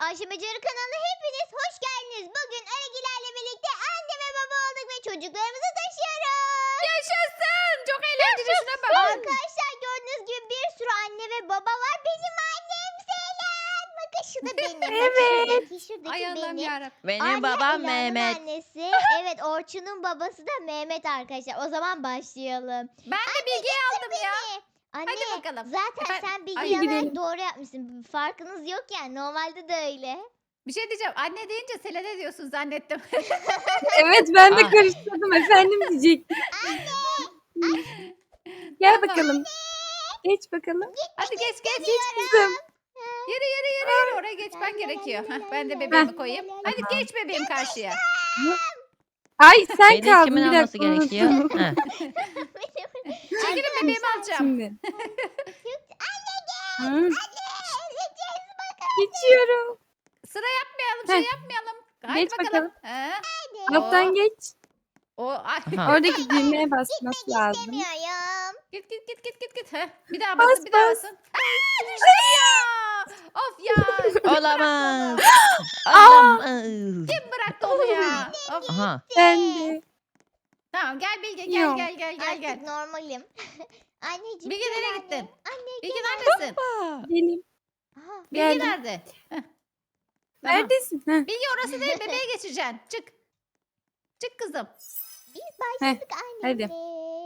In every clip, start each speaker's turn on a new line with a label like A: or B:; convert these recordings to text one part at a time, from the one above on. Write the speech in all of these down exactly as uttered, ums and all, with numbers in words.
A: Ayşe Becerı kanalına hepiniz hoş geldiniz. Bugün Aragilerle birlikte anne ve baba olduk ve çocuklarımızı taşıyoruz.
B: Yaşasın. Çok eğlenceli. Şuna bak.
A: Arkadaşlar gördüğünüz gibi bir sürü anne ve baba var. Benim annem Selen. Bakın şu da benim. Bak şuradaki, şuradaki
B: Ay Allah'ım
A: benim.
B: yarabbim.
C: Benim
A: Arya
C: babam
A: Ela'nın
C: Mehmet.
A: annesi. Evet, Orçun'un babası da Mehmet arkadaşlar. O zaman başlayalım.
B: Ben de bilgiyi aldım ya.
A: Anne,
B: Hadi bakalım.
A: zaten
B: Efendim?
A: sen bilgi
B: Ay,
A: alarak
C: gidelim.
A: doğru yapmışsın. Farkınız yok yani. Normalde de öyle.
B: Bir şey diyeceğim. Anne deyince Selene diyorsun zannettim.
D: Evet ben de
C: Ah.
D: karıştırdım efendim diyecektim. Gel
B: Tamam.
D: bakalım. Geç bakalım.
B: Hadi geç geç.
D: Geç kızım.
B: Yürü yürü yürü. yürü. Oraya geçmen gerekiyor. Hah, ben de bebeğimi koyayım. Hadi geç bebeğim karşıya.
D: Ay sen
C: Beni
D: kaldın
C: kimin
D: bir
C: alması
D: dakika
C: gerekiyor?
D: unuttum.
C: Heh.
B: Çekilin bebeğimi alacağım.
D: Şimdi. Hı. Geçiyorum.
B: Sıra yapmayalım. Şey
D: Heh.
B: yapmayalım. Hadi
D: Geç
B: bakalım. Ha?
D: Alttan geç.
B: O ay.
C: Aha.
D: Oradaki düğmeye basması lazım.
A: Demiyorum.
B: Git git git git git git. Heh, bir daha basın,
D: Bas,
B: bir daha
D: bas.
B: basın. Aa, düştü ya. Of ya.
C: Olamaz. Olamaz.
B: Kim bıraktı onu ya? Of.
C: Aha.
D: Ben de.
B: Tamam gel Bilge gel
D: Yok.
B: gel gel gel
A: Artık
B: gel.
A: normalim. Anneciğim.
B: Bilge
A: gel
B: nereye
A: anne.
B: gittin?
A: Anne
B: Bilge
A: gel.
B: neredesin?
D: Benim.
A: Aha,
B: Bilge
D: Geldim.
B: nerede? Heh. Tamam.
D: Neredesin? Heh.
B: Bilge orası değil bebeğe geçeceksin. Çık. Çık kızım.
A: biz başladık annemle.
D: hadi.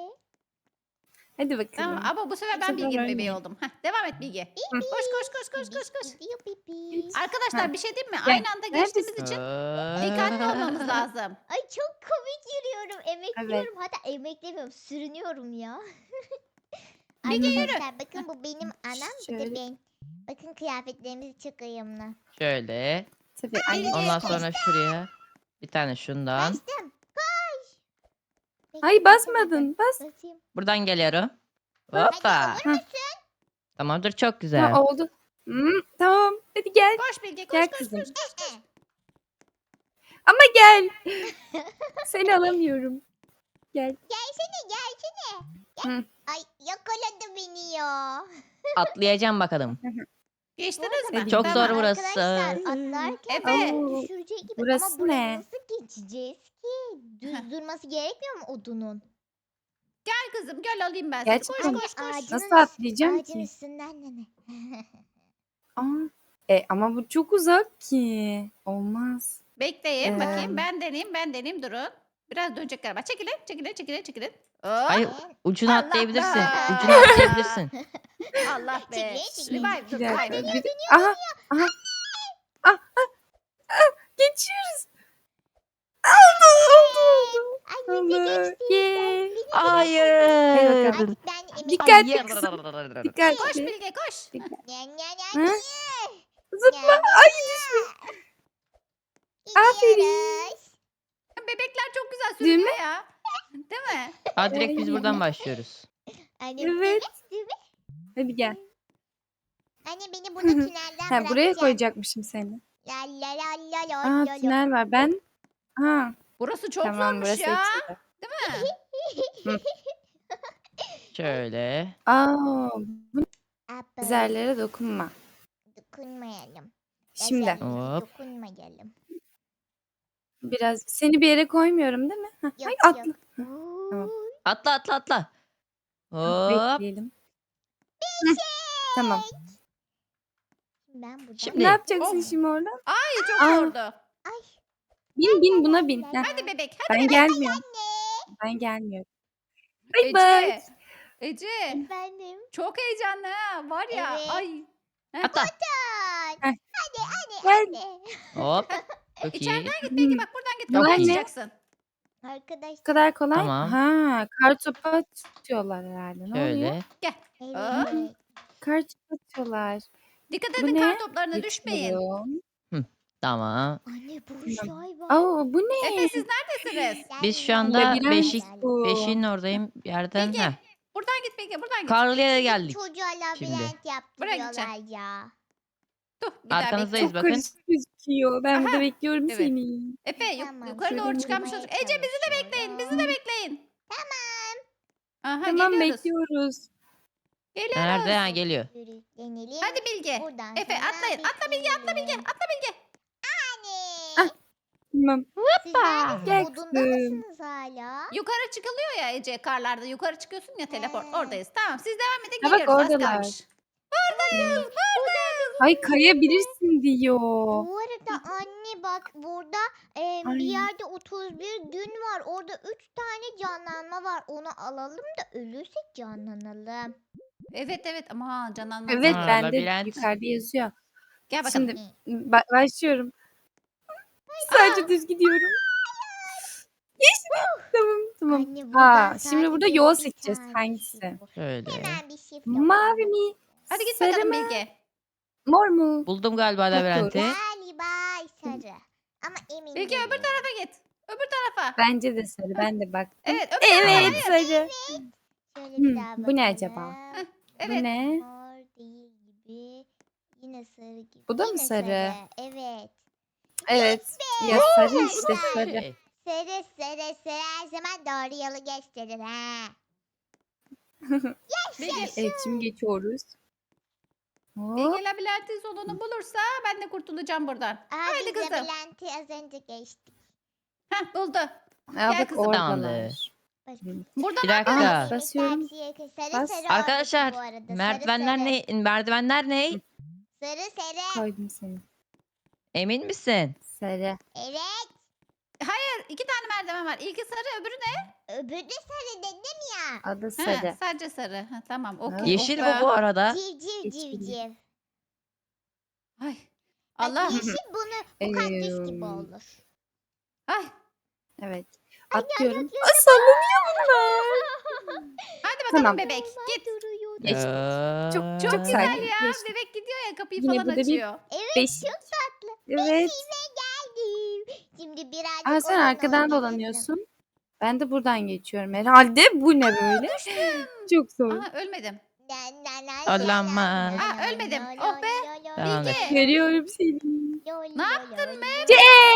D: Hadi bakalım.
B: Tamam ama bu sefer ben
D: sefer
B: Bilge'nin
D: öyle.
B: bebeği oldum. Heh, devam et Bilge.
D: Hı.
B: Koş koş koş koş koş koş.
A: Gidiyor pipi.
B: Arkadaşlar
D: Heh.
B: bir şey diyeyim mi?
D: Gel.
B: Aynı anda geçtiğimiz
D: Neredesin?
B: için dikkatli olmamız lazım.
A: Ay çok komik yürüyorum. Emekliyorum. Hatta emeklemiyorum. Sürünüyorum ya.
B: Bilge yürü.
A: Arkadaşlar bakın bu benim annem. Bu da
D: Şöyle.
A: ben. Bakın kıyafetlerimiz çok uyumlu.
C: Şöyle.
D: Tabii anne.
C: Ondan sonra şuraya bir tane şundan.
A: Kaçtım. Koş. Bekle,
D: Ay
A: bekle,
D: basmadın. Bas.
A: bekle. Basayım.
C: Buradan geliyorum.
A: Hadi
C: Hoppa.
A: olur musun?
C: Tamamdır, çok güzel.
D: Ha, oldu. Hı, tamam. Hadi gel.
B: Koş Bilge koş
D: Gel
B: koş
D: kızım.
B: koş. koş.
D: Ama gel. Seni alamıyorum. Gel.
A: Gelsene gelsene. Gel.
D: Hı.
A: Ay yakaladı beni ya.
C: Atlayacağım bakalım.
B: Geçtiniz mi?
D: Hadi.
C: Çok
B: Tamam.
C: zor burası.
A: Arkadaşlar atlarken
B: Efe.
A: beni düşürecek gibi.
D: Burası
A: Ama buraya
D: ne?
A: nasıl geçeceğiz ki? Düz durması gerekmiyor mu odunun?
B: Gel kızım gel alayım ben seni. Koş
D: Gerçekten
B: koş koş.
A: ağacın
D: Nasıl
A: üst-
D: atlayacağım
A: ağacın
D: ki?
A: üstünden ne?
D: Aa, e, ama bu çok uzak ki. Olmaz.
B: Bekleyin
D: Ee,
B: bakayım. Ben deneyeyim ben deneyeyim durun. Biraz dönecek galiba. Çekilin çekilin çekilin çekilin. Hop.
C: Hayır, ucunu
B: Allah
C: atlayabilirsin.
B: Allah.
C: Ucunu atlayabilirsin.
B: Allah be.
A: Çekilin, çekilin.
B: Revive dur
D: Bir dakika.
B: revive.
D: bir- Aha. Aha. Ah, ah, ah, geçiyoruz. Oldu oldu oldu.
A: Annem de
D: Oldu.
A: geçti.
D: Ye.
C: Hayır.
A: Artık ben emek
D: Dikkat.
C: Hayır.
D: kızım.
B: Koş
D: Dikkatli.
B: Bilge koş.
A: Nye, nye,
D: Hı?
A: nye,
D: Zıpla.
A: nye.
D: Ay düşme. Aferin.
A: Gidiyoruz.
B: Bebekler çok güzel
D: Değil
B: sürünüyor ya. Değil mi?
C: Ha, direkt biz buradan başlıyoruz.
A: Anne,
D: Evet.
A: değil mi?
D: Hadi gel.
A: Anne beni bunu tünelden
D: Ha,
A: bırakacak.
D: buraya koyacakmışım seni.
A: La la la la la
D: Aa
A: la la.
D: tünel var. Ben. Ha.
B: Burası çok
D: Tamam
B: zormuş
D: burası
B: ya.
D: açıldı.
B: Değil mi?
C: Şöyle.
D: Aa, bu
A: Apple.
D: üzerlere dokunma.
A: Dokunmayalım.
D: Şimdi
A: Özellikle
C: Hop.
A: Dokunmayalım.
D: biraz seni bir yere koymuyorum değil mi? Hah,
A: Yok,
D: ay,
A: yok.
D: atla. Tamam.
C: Atla atla atla. Hop.
D: Bekleyelim. Heh, tamam.
A: Ben buradan.
C: Şimdi-
D: Ne yapacaksın
B: Of.
D: şimdi oradan?
B: Ay çok
D: Aa.
B: zordu.
D: Bin bin buna bin. Heh,
B: Hadi bebek hadi
D: ben
B: bebek.
D: gelmiyorum. Ben gelmiyorum. Bye bye.
B: Ece. Ece.
A: Efendim.
B: Çok heyecanlı ha. Var ya.
A: Evet.
B: Ay.
C: Atla.
A: Hadi.
D: Heh.
A: Hadi hadi
D: Gel.
A: hadi.
C: Hop. Çok iyi.
B: İçeriden git Bilge bak buradan git.
D: Bunlar
B: Buradan
D: ne?
B: çıkacaksın.
A: Arkadaş.
D: Bu kadar kolay.
C: Tamam.
D: Ha, kar topu atıyorlar herhalde. Ne oluyor?
C: Şöyle.
A: Evet.
D: Kar topu atıyorlar.
B: Dikkat
D: Bu
B: edin
D: ne?
B: kar toplarına düşmeyin.
D: Geçiyorum.
C: Tamam.
A: Anne bu şey var.
D: Aa, bu ne?
B: Efe siz neredesiniz?
C: Biz şu anda
D: Labirent
C: beşik
D: bu.
C: beşiğin oradayım bir yerden.
B: Bilge,
C: Heh.
B: Buradan git Bilge buradan git.
C: Karlıya geldik.
A: Çocuğa labirent
C: Şimdi.
B: Buraya
A: yaptırıyorlar ya.
B: Dur bir daha
C: Arkanızdayız
B: bekle.
D: Çok
C: bakın.
D: karışık gözüküyor. Ben burada
B: Aha,
D: bekliyorum
B: evet.
D: seni.
B: Efe yuk-
A: Tamam,
B: yukarı
D: şöyle
B: doğru
D: bir
B: çıkarmış
A: durmaya
B: olacak. Ece bizi de bekleyin. Bizi de bekleyin.
A: Tamam.
B: Aha
D: Tamam
B: geliyoruz.
D: bekliyoruz.
B: Geliyoruz.
C: Nerede? Ha, geliyor.
A: Sürüklenelim.
B: Hadi Bilge.
A: Buradan
B: Efe
A: sonra
B: atlayın. Atla Bilge atla Bilge.
A: bekleyelim.
B: Atla Bilge.
A: Anne.
D: Ah. Tamam.
A: Siz neredesiniz? Odunda
D: Yaktım.
A: mısınız hala?
B: Yukarı çıkılıyor ya Ece karlarda. Yukarı çıkıyorsun ya teleport.
A: He.
B: Oradayız. Tamam siz devam edin
D: Ha, bak
B: geliyoruz. Az
D: oradalar.
B: kalmış. Buradayız. Buradayız.
D: Ay kayabilirsin diyor.
A: Bu arada anne bak burada e, bir
D: Ay.
A: yerde otuz bir gün var. Orada üç tane canlanma var. Onu alalım da ölürsek canlanalım.
B: Evet evet ama canlanma.
D: Evet
C: Ha,
D: bende
C: labirent.
D: yukarıda yazıyor.
B: Gel bakalım.
D: Şimdi ba- başlıyorum. Sadece düz gidiyorum. Geçtim. Tamam tamam.
A: Anne
D: Aa,
A: buradan
D: şimdi burada
A: sadece
D: yol
A: bir
D: seçeceğiz.
A: tane
D: Hangisi?
A: shift var.
C: Şöyle.
A: Hemen bir shift
D: Mavi
A: yapalım.
D: mi?
B: Hadi git
D: Sarı
B: bakalım
D: mı?
B: Bilge.
D: Mor mu?
C: Buldum galiba labirenti.
A: Galiba sarı. Ama emin
B: Bilge
A: değilim.
B: öbür tarafa git. Öbür tarafa.
D: Bence de sarı. Ben de baktım.
B: Evet öbür tarafa.
D: Evet
B: Hayır.
D: sarı.
A: Şöyle
D: Hmm,
A: bir daha
D: bu
A: bakalım.
D: ne acaba?
B: Evet.
D: Bu ne?
A: Mor değil gibi. Yine sarı gibi.
D: Bu da mı
A: Yine
D: sarı?
A: Evet.
D: Evet. Ya sarı işte sarı.
C: Şey,
A: Sarı sarı sarı her zaman doğru yolu gösterir ha.
B: Bilge,
D: Evet şimdi geçiyoruz. Hop.
B: Bilge labirentin sonunu bulursa ben de kurtulacağım buradan.
A: Aa,
B: Haydi
A: biz
B: kızım.
A: labirenti az önce geçtik.
B: Heh buldu.
D: Aa,
B: Gel
D: bak
B: kızım.
D: oradalar.
C: Tamamdır.
B: Burada
C: Bir
B: ne
C: dakika.
B: yapıyoruz?
D: Basıyorum.
A: Sarı
D: Bas.
A: sarı
C: Arkadaşlar
A: orası bu arada. Sarı
C: merdivenler
A: sarı.
C: ne? Merdivenler ne?
A: Sarı sarı.
D: Koydum seni.
C: Emin misin?
D: Sarı.
A: Evet.
B: Hayır iki tane merdiven var. İlki sarı öbürü ne?
A: Öbürü de sarı dedim ya.
D: Adı
B: Ha,
D: sarı.
B: sadece sarı. Ha, tamam okey.
D: Ha.
C: Yeşil
B: Oh be.
C: bu bu arada.
A: Civciv
D: Yeşil.
A: civciv.
B: Ay.
A: Bak,
B: Allah.
A: yeşil bunu bu kaktüs gibi
D: Eee,
A: olur.
B: Ay.
D: Evet. Atlıyorum.
A: atlıyorum.
D: Aa, sallanıyor bunlar.
B: Hadi bakalım
D: Tamam.
B: bebek. Git.
A: Duruyor.
D: Geçtik. Çok
C: Ee,
D: çok
B: Çok güzel
D: sakin.
B: ya.
D: Geçtik.
B: Bebek gidiyor ya kapıyı
D: Yine
B: falan
D: burada bir-
B: açıyor.
A: Evet
D: Beşik.
A: çok tatlı.
D: Evet.
A: Geldim. Şimdi birazcık
D: Aa, sen
A: oyun
D: arkadan
A: oynayalım.
D: dolanıyorsun. Ben de buradan geçiyorum herhalde. Bu ne böyle? Çok zor.
B: Aha ölmedim.
A: Na, na, na,
C: Olamaz.
A: na, na,
B: Aa,
A: na,
B: ölmedim.
A: na,
B: Oh be.
A: na, na,
C: Tamamdır.
A: na,
D: Görüyorum seni.
A: na,
B: Ne
A: na,
B: yaptın
A: na,
B: be?
A: na.
D: C.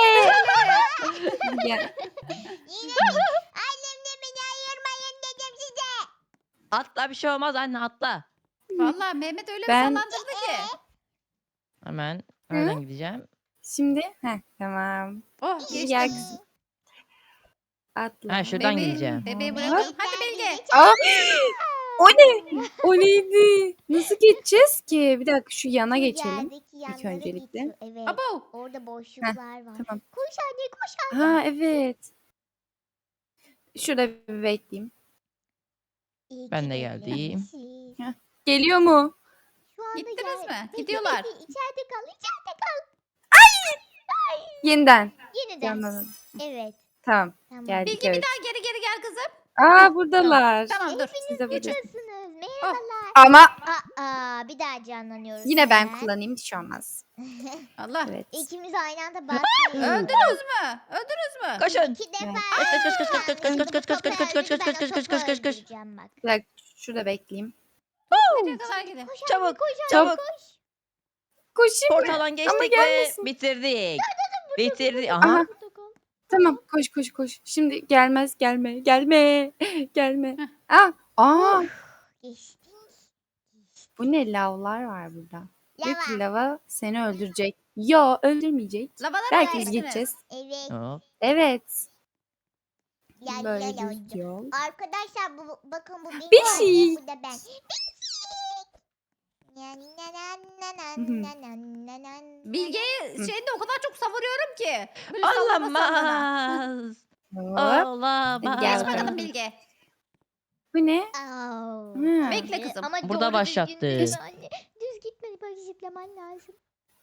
A: Yine
D: Gel.
A: mi? Annemle beni ayırmayın dedim size.
C: Atla bir şey olmaz anne atla.
B: Vallahi Mehmet öyle
D: Ben-
B: bir sallandırdı ki.
C: Hemen
D: Hı?
C: oradan gideceğim.
D: Şimdi heh, tamam.
B: Oh
D: Şimdi
B: geçtim.
D: gel kızım. Atla.
C: Ha şuradan
B: Bebeği-
C: gideceğim.
B: Bebeği
A: Bebeği
B: bırakalım.
A: ben
B: Hadi Bilge.
A: gideceğim.
D: Aa, o ne? O neydi? Nasıl geçeceğiz ki? Bir dakika şu yana
A: Şu
D: geçelim.
A: yerdeki yanlara
D: öncelikle.
A: geçiyor. Evet.
B: Abo.
A: Orada boşluklar var.
D: Tamam.
A: Koş anne koş anne.
D: Ha evet. Şurada bir bekleyeyim.
A: İyi
C: Ben
A: ki
C: de geldim.
A: beklemişiz.
D: Geliyor mu?
A: Şu anda
B: Gittiniz
A: gel-
B: mi?
A: Bekle,
B: Gidiyorlar.
A: bekle, İçeride kal içeride kal.
D: Yeniden.
A: Yeniden.
D: Canlanın.
A: Evet.
D: Tamam.
A: Tamam.
D: Geldik
B: Bilge
D: evet.
B: bir daha geri geri gel kızım.
D: Aa buradalar.
B: Tamam dur.
D: Siz de burada.
A: Nasılsınız? Merhabalar.
D: Ama
A: Aa, bir daha canlanıyoruz.
D: yine ben
A: hemen.
D: kullanayım hiç olmaz.
B: Allah.
D: Evet.
A: İkimiz aynı anda basmıyoruz.
B: Öldünüz mü? Öldünüz mü?
C: Koşun.
A: İki defa.
C: Kaç, kaç, kaç, kaç, kaç, kaç, kaç, kaç, kaç, kaç, kaç, kaç, kaç, kaç, kaç, kaç, kaç, kaç, kaç.
A: Öldüreceğim bak.
D: Bir dakika şurada bekleyeyim.
B: Nereye kadar gidelim?
A: Koş
C: Çabuk,
A: anne, koş anne,
C: çabuk.
A: koş.
D: Koşayım mı?
C: Portaldan geçtik ve
D: gelmesin.
C: bitirdik. Bitirdik. Aha.
D: Aha. Tamam koş koş koş. Şimdi gelmez gelme gelme gelme. Aa, aa
A: Geçtik.
D: bu ne lavlar var burada. Diyor ki
A: Lava.
D: lava seni öldürecek. Yo öldürmeyecek.
B: Lavalara
D: Belki biz
B: geçtiniz.
D: gideceğiz.
A: Evet.
C: Hop.
D: Evet.
A: Ya,
D: Böyle
A: ya, ya,
D: düz
A: ya.
D: yol.
A: Arkadaşlar bu bakın bu benim
D: Bir
A: annem,
D: şey.
A: bu da ben. Na, na, na, na, na,
D: Hı hı.
A: na, na, na, na, na.
B: Bilge'yi
D: Hı.
B: şeyinde o kadar çok savuruyorum ki. Böyle sallana sallana.
C: Olamaz.
D: Hop.
C: Olamaz.
D: Gel
B: Geç
D: bakalım.
B: bakalım Bilge.
D: Bu ne?
A: Au.
D: Hı.
B: Bekle kızım.
A: Ama
C: Burada
A: doğru
C: başlattı.
A: düzgün gitme anne. Düz gitmedi bak zıplaman lazım.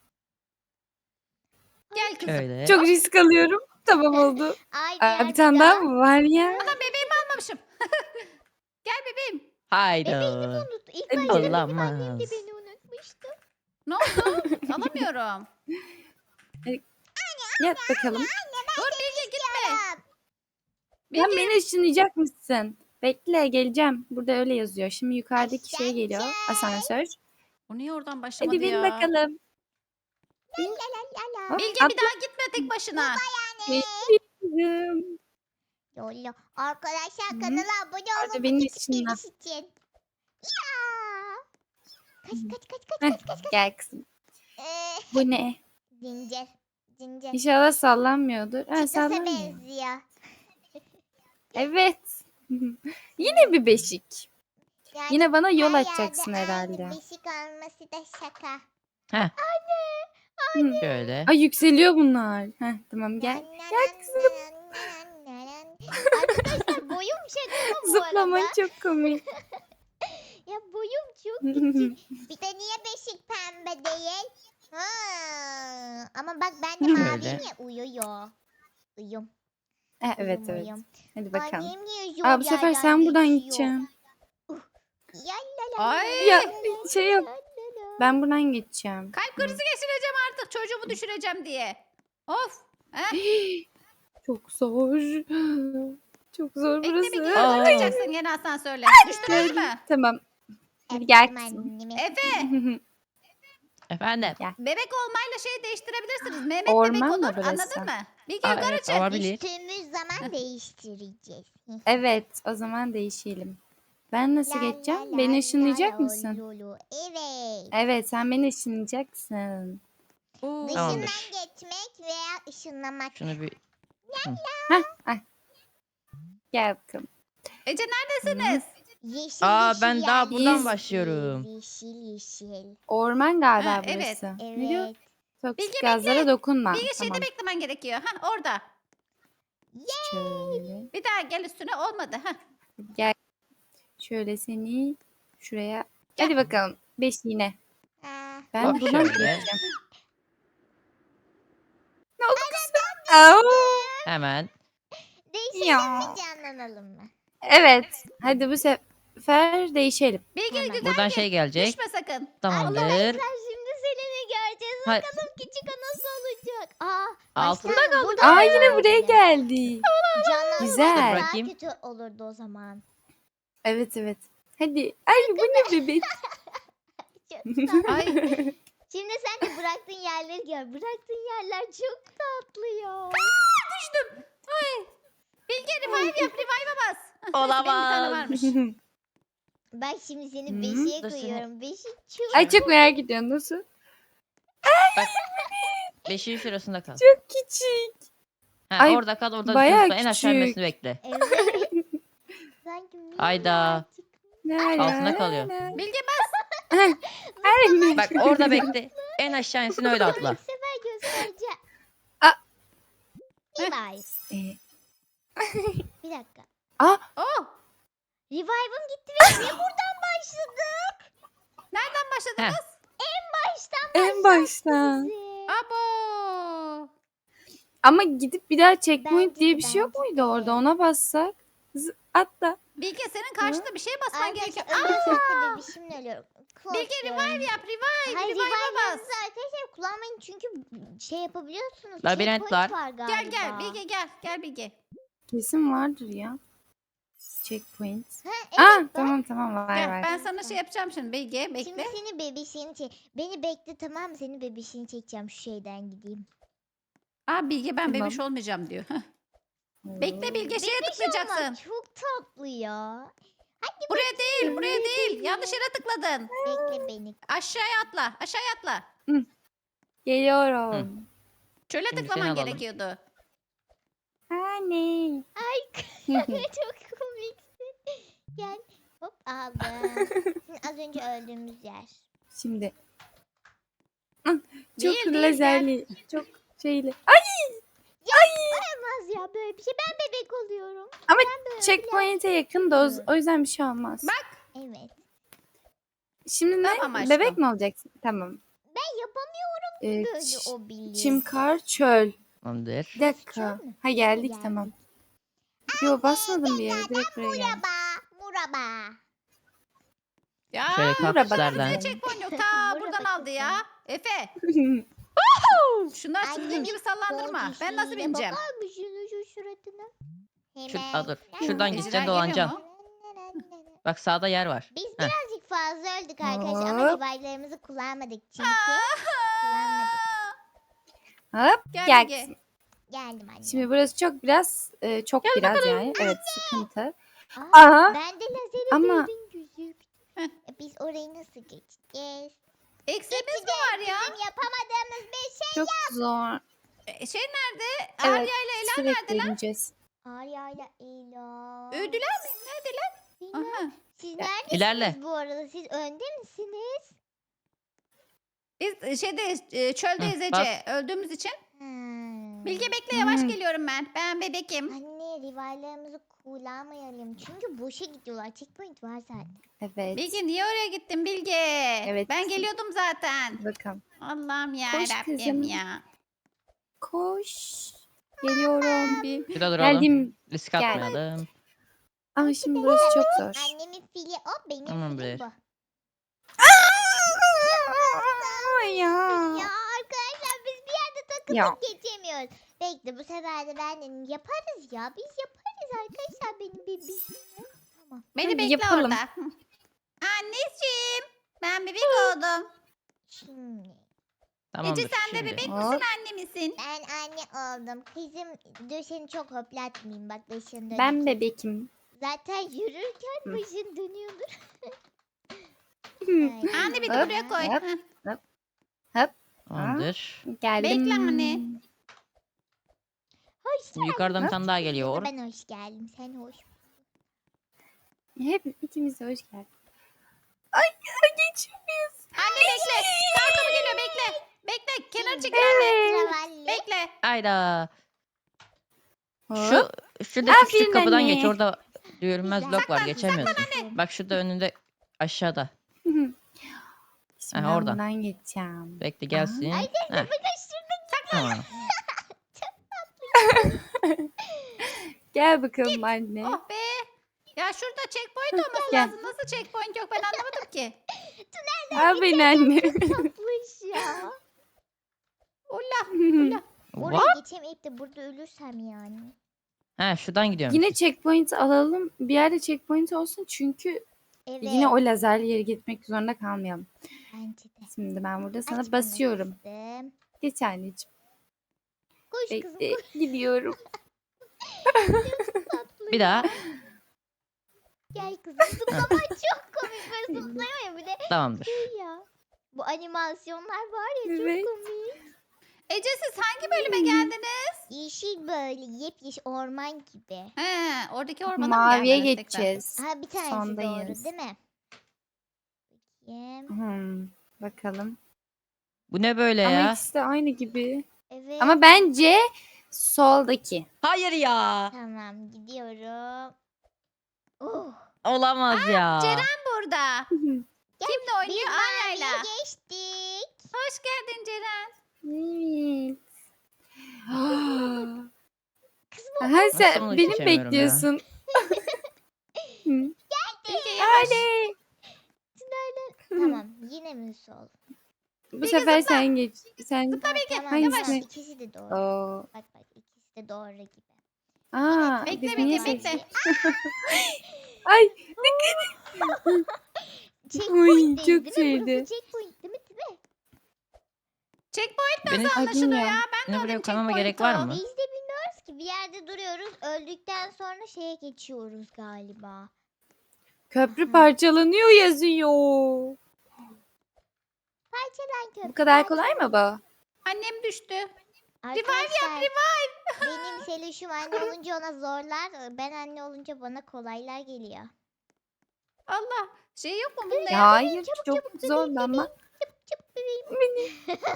B: Gel kızım.
C: Şöyle.
D: Çok risk alıyorum. Tamam oldu.
A: Ay
D: Aa,
A: biraz
D: bir tane daha mı var ya?
B: Adam bebeğimi almamışım. Gel bebeğim.
C: Haydi.
A: unut. İlk
D: Hadi
A: başta
D: gel.
A: benim annem de
C: Olamaz.
A: beni unutmuştu.
B: Ne oldu? Alamıyorum.
D: Yap bakalım.
B: Dur Bilge gitme.
D: Sen
B: Bilge.
D: beni ışınlayacak mısın? Bekle geleceğim. Burada öyle yazıyor. Şimdi yukarıdaki şey geliyor. Asansör.
B: O niye oradan başlamadı
D: Hadi bin
B: ya?
D: bakalım.
A: La la la.
D: Hop,
B: Bilge bir
D: atla.
B: daha gitme tek başına.
D: Bekliyorum.
A: Yolla. Arkadaşlar
D: Hı.
A: kanala abone
D: Orada
A: olmayı
D: beni
A: unutmayın
D: ışınla.
A: için. Ya. Kaç kaç kaç kaç
D: Heh,
A: kaç kaç. kaç.
D: Gel kızım.
A: Ee,
D: Bu ne?
A: zincir. Zincir.
D: İnşallah sallanmıyordur. Ha,
A: Çıkasa
D: sallanmıyor.
A: benziyor.
D: Evet. Yine bir beşik.
A: Yani
D: Yine bana yol
A: her
D: açacaksın
A: yerde
D: herhalde.
A: Aynı beşik olması da şaka.
C: Heh.
D: Hı.
C: Şöyle.
D: Ay yükseliyor bunlar. Heh, tamam gel.
A: Nan, nan,
D: Gel
A: nan,
D: kızım.
A: nan, nan, nan, nan. Arkadaşlar boyum şaka mı bu
D: Zıplaman
A: arada?
D: çok komik.
A: Ya boyum çok küçük. Bir de niye beşik pembe değil? Ha. Ama bak ben de
C: Şöyle.
A: maviyim ya uyuyor. Uyum.
D: Ha, evet
A: uyum,
D: evet.
A: uyum.
D: Hadi bakalım.
A: Annem niye yol
D: Aa, bu sefer
A: yerden
D: sen buradan
A: geçiyor?
D: gideceksin.
A: Ya la la
B: Ay.
A: la
D: Ya,
A: la la
D: şey yok.
A: la la la.
D: Ben buradan geçeceğim.
B: Kalp krizi geçireceğim artık çocuğumu düşüreceğim diye. Of. Heh.
D: Çok zor. Çok zor
B: Bekle bir
D: burası.
B: gel
C: Aa.
B: bakacaksın gene asansörle. Düştünüz mü?
D: Tamam. Hadi
A: Öptüm
D: gel kızım.
A: annemi.
B: Efe.
C: Efendim.
B: Bebek olmayla şeyi değiştirebilirsiniz. Mehmet bebek
D: Orman mı
B: olur.
D: burası?
B: Anladın mı? Bilge
C: Aa,
B: yukarı
C: evet,
B: çık.
C: olabilir.
A: Düştüğümüz zaman değiştireceğiz.
D: Evet, o zaman değişelim. Ben nasıl
A: La
D: geçeceğim?
A: la la
D: Beni
A: la
D: ışınlayacak
A: la
D: mısın?
A: lulu. Evet.
D: Evet, sen beni ışınlayacaksın.
B: Oo.
A: Dışından
C: Tamamdır.
A: geçmek veya ışınlamak.
C: Şunu bir
D: Hah, ah. Gel bakalım.
B: Ece neredesiniz?
A: Yeşil
C: Aa,
A: yeşil
C: ben daha buradan
A: yerlerdeyiz.
C: başlıyorum.
A: Yeşil yeşil.
D: Orman galiba
B: Ha, evet.
D: burası. Ne diyor?
A: Evet.
D: Toksik
B: Bilge
D: gazlara dokunma.
B: Bilge şeyde
D: Tamam.
B: beklemen gerekiyor. Ha orada.
D: Şöyle.
B: Bir daha gel üstüne olmadı. Ha.
D: Gel. Şöyle seni şuraya.
B: Gel.
D: Hadi bakalım. Beş yine.
A: Aa,
D: Ben
C: Hop
D: buradan
C: şöyle.
D: geçeceğim. Ne oldu kızım? Au.
C: Hemen.
A: değişelim
D: Ya.
A: mi canlanalım mı?
D: Evet. Hadi bu sefer değişelim.
B: Bilge
A: Hemen.
B: güzel
C: Buradan
B: gir.
C: şey gelecek.
B: Düşme sakın.
C: Tamamdır.
A: Sen şimdi Selen'i göreceğiz.
C: Ha-
A: Bakalım küçük o nasıl olacak? Aa,
C: Altında
A: baştan burada
D: Aa
A: da
D: yine buraya
A: olabilir.
D: geldi.
A: Canlanma
D: Güzel.
A: daha
C: Bırakayım.
A: kötü olurdu o zaman.
D: Evet evet. Hadi. Ay bu ne bebek?
A: Çok tatlı.
B: Ay.
A: Şimdi sen de bıraktığın yerleri gör. Bıraktığın yerler çok tatlı ya.
B: Düştüm. Ay. Bilge revive yap. Revive'a bas. Hah, neyse, benim bir tane
C: Olamaz.
B: varmış.
A: Ben şimdi seni
D: Hı.
A: beşiğe
C: Dur seni-
A: koyuyorum. Beşik çok
D: Ay çok merak ediyorum nasıl?
C: Bak. Beşiğin şurasında kal.
D: Çok küçük.
C: Ha,
D: Ay,
C: orada kal, orada
D: bayağı
C: lütfen en aşağı
D: küçük.
C: inmesini bekle.
A: Evet. Sanki
C: Hayda.
A: minnacık.
C: Altında kalıyor.
B: Bilge bas.
D: Ay,
C: Bak orada bekle. En aşağı insin öyle atla.
A: İlk sefer göstereceğim.
D: Aa.
A: Revive.
D: Ee,
A: Bir dakika.
D: Aa,
B: Oh.
A: Revive'ım gitti ve niye buradan başladık?
B: Nereden başladınız?
A: Baştan
D: en baştan.
A: bizi.
B: Abo.
D: Ama gidip bir daha checkpoint
A: Bence
D: diye
A: de,
D: bir şey yok
A: bence
D: muydu
A: de.
D: orada? Ona bassak. Z- atla.
B: Bilge senin karşında bir şeye basman
A: Arkadaşlar
B: gerekiyor.
A: ölürsek
B: Aa.
A: de bebişimle ölüyorum.
B: Bilge
A: Korkuyorum.
B: revive yap. Revive.
A: Hayır
B: Revive'a bas.
A: revive'ınızı arkadaşlar kullanmayın çünkü şey yapabiliyorsunuz.
C: Labirent
A: checkpoint
C: var.
A: var galiba.
B: Gel gel Bilge gel. Gel Bilge.
D: Kesin vardır ya. Checkpoint.
A: Ha, evet,
D: Aa
A: bak.
D: tamam tamam var
B: Gel.
D: var.
B: Ben sana şey yapacağım şimdi. Bilge
A: Şimdi
B: bekle.
A: seni bebişini çek. Beni bekle tamam mı? Seni bebişini çekeceğim şu şeyden gideyim.
B: Aa Bilge ben
D: Tamam.
B: bebiş olmayacağım diyor. Heh. Bekle Bilge şeye
A: Bebiş
B: tıklayacaksın.
A: olmak çok tatlı ya. Hadi
B: Buraya değil, buraya değil. Yanlış yere tıkladın.
A: bekle beni.
B: Aşağıya atla, aşağıya atla.
D: Geliyorum.
B: Çöle
C: Şimdi
B: tıklaman
C: seni alalım.
B: gerekiyordu.
D: Anne.
A: Çok komiksin. Gel. Hop aldım. Şimdi az önce öldüğümüz yer.
D: Şimdi. Hı, Çok
B: Değil, değil,
D: lazerli. Çok şeyli.
A: Olmaz ya böyle bir şey. Ben bebek oluyorum.
D: Ama
A: Ben böyle
D: checkpoint'e yakın da o,
A: Hı.
D: o yüzden bir şey olmaz.
B: Bak.
A: Evet.
D: Şimdi ne?
B: Tamam aşkım.
D: Bebek mi olacaksın? Tamam.
A: Ben yapamıyorum
D: Ee,
A: böyle
D: ç-
A: o biliyor.
D: çim, kar, çöl.
C: Tamamdır.
D: Bir dakika.
A: Çöl mü?
D: Ha geldik
A: Geldik.
D: tamam. Yo basmadım bir yere. Direkt buraya geldim.
A: Muraba. Muraba.
B: Ya.
C: Şöyle kaktüslerden.
B: Ne checkpoint yok. Ta
A: Burada
B: buradan
A: bak
B: aldı ya. Efe. Şunlar
A: Annemin
B: çizgin gibi sallandırma. Ben nasıl
A: Bojisiyle
B: bineceğim?
A: Bakar mısın şu suratına?
C: Şu,
A: Hemen.
C: aa, dur. Şuradan
B: Ejder
C: gideceksin
B: geliyor
C: dolanacaksın.
B: mu?
C: Bak sağda yer var.
A: Biz
C: Heh.
A: birazcık fazla öldük arkadaşlar ama
D: Hop.
A: revive'larımızı kullanmadık çünkü. Kullanmadık.
D: Hop
B: Gel
D: gel.
B: Bilge.
D: kızım.
A: Geldim anne.
D: Şimdi burası çok biraz e, çok biraz yani. Evet sıkıntı.
A: Aa,
D: Aha.
A: ben de lazeri
D: Ama-
A: gördüm gözük.
B: Heh.
A: Biz orayı nasıl geçeceğiz?
B: Eksiğimiz mi var ya?
A: Bizim yapamadığımız bir şey.
D: Çok zor.
B: E, Şey nerede?
D: Evet,
B: Arya ile Ela
D: sürekli
B: neredeler?
D: ineceğiz.
A: Arya ile Ela.
B: Öldüler mi? Neredeler?
A: Bilmem.
B: Aha.
A: Siz
D: Ya,
A: neredesiniz
C: ilerle.
A: bu arada? Siz önde misiniz?
B: Biz e, şeydeyiz, e, çöldeyiz
C: Hı,
B: Ece.
C: bas.
B: Öldüğümüz için.
A: Hmm.
B: Bilge bekle, yavaş
D: Hmm.
B: geliyorum ben. Ben bebekim.
A: Anne rivallerimizi kullanmayalım. Çünkü boşa gidiyorlar. Checkpoint var zaten.
D: Evet.
B: Bilge niye oraya gittin Bilge?
D: Evet.
B: Ben geliyordum zaten.
D: Bakalım.
B: Allah'ım ya
D: Koş
B: Rabbim
D: kızım.
B: ya.
D: Koş. Geliyorum. Bir.
C: Bir daha duralım.
D: Geldim.
C: Risk
D: Gel.
C: atmayalım.
D: Ama şimdi burası çok zor.
A: Annemin fili o, benim
C: Tamam,
A: filim
C: bir.
A: bu.
D: ya.
A: Ya arkadaşlar biz bir yerde takılıp
D: Ya.
A: geçemiyoruz. Bekle bu sefer de ben dedim yaparız ya. Biz yaparız arkadaşlar benim bebişim. Tamam.
B: Beni
D: Hadi
B: bekle
D: yapalım.
B: orada. Hı. Anneciğim. Ben bebek oldum.
A: Şimdi
C: Tamamdır
B: Ece sen de
C: şimdi.
B: bebek
D: Hop.
B: misin anne misin?
A: ben anne oldum. Kızım dur seni çok hoplatmayayım bak başın dönüyor.
D: Ben bebekim.
A: Zaten yürürken başın dönüyordur.
B: Anne bir de
D: Hop,
B: buraya koy.
D: hop.
B: Hı.
C: Tamamdır.
D: Geldim.
B: Bekle anne.
A: Hoş
C: Şimdi yukarıdan bir
D: Hop.
C: tane daha geliyor.
A: Ben hoş geldim. Sen hoş.
D: Hep ikimiz de hoş geldin. Ay, ay geçmiyoruz.
B: Anne bekle. Kartopu geliyor bekle. Bekle. Kenar çekil
D: Evet.
B: anne.
A: Travalli.
B: Bekle.
C: Hayda.
D: Hop.
C: Şu şuradaki
D: Aferin
C: küçük kapıdan
D: anne.
C: geç. Orada görünmez
A: Güzel.
C: blok var.
B: Saklan,
C: Geçemiyorsun.
A: saklan.
C: Bak şurada önünde aşağıda.
D: Şimdi
C: Ha,
D: ben
C: oradan.
D: buradan geçeceğim.
C: Bekle gelsin.
A: Ay
C: Heh,
A: Sıkıştırdık.
C: tamam.
D: Gel bakalım anne.
B: Oh be. Ya şurada checkpoint olması
D: Gel.
B: lazım. Nasıl checkpoint yok ben anlamadım ki.
D: Al beni anne.
A: Tatlış ya.
B: Ulla.
A: Oraya
C: What?
A: geçemeyip de burada ölürsem yani.
C: Ha şuradan gidiyorum.
D: Yine checkpoint alalım. Bir yerde checkpoint olsun çünkü
A: Evet.
D: yine o lazerli yere gitmek zorunda kalmayalım.
A: Bence de.
D: Şimdi ben burada sana
A: Aç
D: basıyorum.
A: bana kızım.
D: Geç anneciğim.
A: Koş kızım
D: Bekle.
A: koş.
D: Gidiyorum.
A: Tatlı
C: Bir
A: ya.
C: daha.
A: Gel kızım. Zıplama çok komik. Böyle zıplayamıyor bir de
C: Tamamdır.
A: şey ya. Bu animasyonlar var ya çok
D: Evet.
A: komik.
B: Ece siz hangi bölüme geldiniz?
A: Yeşil böyle yepyeşil orman gibi.
B: He, oradaki ormana mı
D: Maviye
B: gelmeniz tekrar?
D: geçeceğiz.
A: Ha bir tanesi
D: Sondayız.
A: doğru değil mi? Bakayım.
D: Hmm, bakalım.
C: Bu ne böyle
D: Ama
C: ya?
D: ikisi de aynı gibi.
A: Evet.
D: Ama bence soldaki.
C: Hayır ya.
A: Tamam gidiyorum. Oh.
C: Olamaz ya.
B: Ceren burada. Kimle
A: Biz
B: oynuyor?
A: maviye
B: Arya'yla.
A: geçtik.
B: Hoş geldin Ceren.
D: Evet.
A: Kızım
D: Ha,
C: Nasıl
D: sen
C: bunu
D: beni mi
C: geçemiyorum ya?
D: bekliyorsun? Hı.
B: Bilge yavaş.
D: Hadi.
A: tamam yine mi sol?
D: Bu sefer sen geç. Sen
A: Ha, tamam,
D: Hangisi?
A: tamam ikisi de doğru.
D: Oo.
A: Bak bak ikisi de doğru gibi.
D: Aa,
B: Bekle,
D: biz
B: bekle,
D: niye
B: bekle.
D: seçtik? Ay,
A: Checkpoint
D: çok
A: değil, değil mi?
D: şeydi.
A: Burası checkpoint değil mi? Değil mi?
B: Checkpoint
C: Beni,
B: nasıl
D: Ay,
B: anlaşılıyor ya?
D: bilmiyorum.
B: Ben de
C: beni buraya
B: alayım
C: koymama gerek var
B: checkpoint'u.
C: mı?
A: Biz de bilmiyoruz ki bir yerde duruyoruz. Öldükten sonra şeye geçiyoruz galiba.
D: köprü parçalanıyor yazıyor.
A: Parçalan köprü.
D: Bu kadar
A: parçalan.
D: kolay mı bu?
B: Annem düştü.
A: Arkadaşlar, benim Seluşum anne olunca ona zorlar. Ben anne olunca bana kolaylar geliyor.
B: Allah. Şey yok mu bunda
D: Ya
B: ya?
D: hayır, çok zor ama.
A: Çıp çıp bebeğim.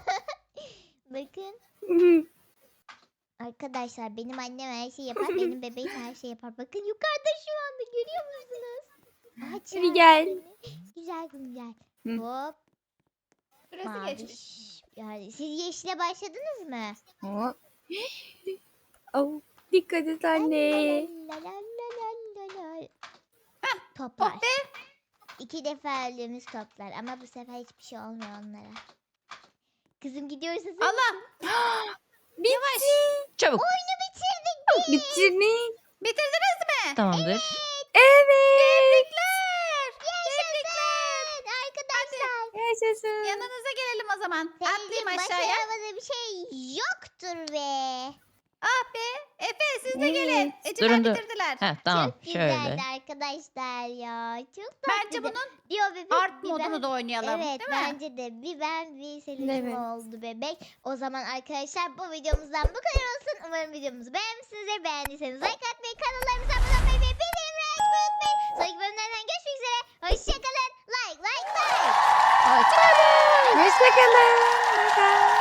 A: Bakın arkadaşlar benim annem her şeyi yapar. Benim bebeğim her şeyi yapar. Bakın yukarıda şu anda görüyor musunuz? Aç
D: Hadi gel.
A: Güzel güzel.
D: Hı.
A: Hop.
B: Süresi geçmiş.
A: Maviş. Yani siz yeşile başladınız mı?
D: Hop. Oh, dikkat et anne.
A: La la la la la la. Toplar.
B: Oh be.
A: İki defa öldüğümüz toplar ama bu sefer hiçbir şey olmuyor onlara. Kızım gidiyoruz hazır mısın?
B: Allah.
D: Yavaş.
C: Çabuk.
A: Oyunu bitirdik.
D: Bitirdik.
B: Bitirdiniz mi?
C: Tamamdır.
D: Evet.
A: Yaşasın arkadaşlar.
D: Yaşasın.
B: Yanınıza gelelim o zaman.
A: Senin
B: Atlayayım
A: başaramadığın
B: aşağıya.
A: bir şey yoktur be.
B: Ah be. Efe siz de
D: Evet.
B: gelin. Eceler
C: Durun, dur.
B: bitirdiler.
C: Heh, tamam
A: Çok güzeldi
C: şöyle.
A: arkadaşlar ya. Çok
B: Bence
A: tatlıydı.
B: bunun
A: Diyor bebek.
B: art
A: bir
B: modunu
A: ben-
B: da oynayalım.
A: Evet
B: Değil mi?
A: bence de bir ben bir Selin'cim
D: Evet.
A: oldu bebek. O zaman arkadaşlar bu videomuzdan bu kadar olsun. Umarım videomuzu beğenmişsinizdir. Beğendiyseniz like atmayı, kanallarımıza abone olmayı ve bildirimleri açmayı unutmayın. Sonraki bölümlerden görüşmek üzere. Hoşçakalın. Like like like.
B: Hoşçakalın.
D: Hoşçakalın. Bye bye.